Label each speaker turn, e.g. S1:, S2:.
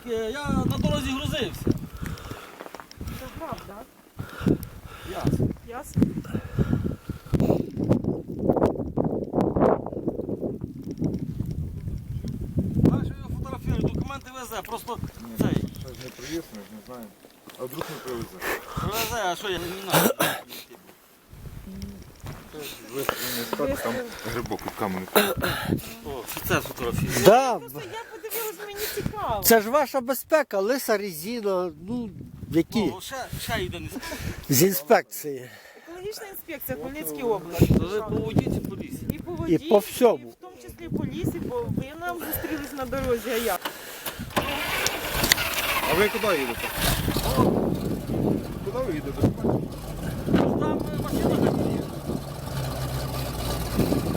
S1: я на дорозі грузився.
S2: Це правда.
S1: Ясно.
S2: Ясно.
S1: Знаєш, я його фотографірую, документи везе, просто цей.
S3: Щось не привіз, ми ж не знаємо. А вдруг не привезе?
S1: Привезе, а що я не знаю.
S3: Вистрілення стати, там грибок від каменю.
S1: О, офіцер фотографірує.
S4: Да,
S2: Просто я подивилась, мені цікаво.
S4: це ж ваша безпека, лиса резина, ну, які?
S1: О, ще йде не
S4: З інспекції.
S2: Екологічна інспекція Хмельницької області.
S1: То ви по воді чи по лісі?
S2: І по воді,
S4: І по всьому.
S2: і в тому числі по лісі, бо ви нам зустрілись на дорозі, а як?
S3: А ви куди їдете? Куди ви їдете?
S1: Там машина так є.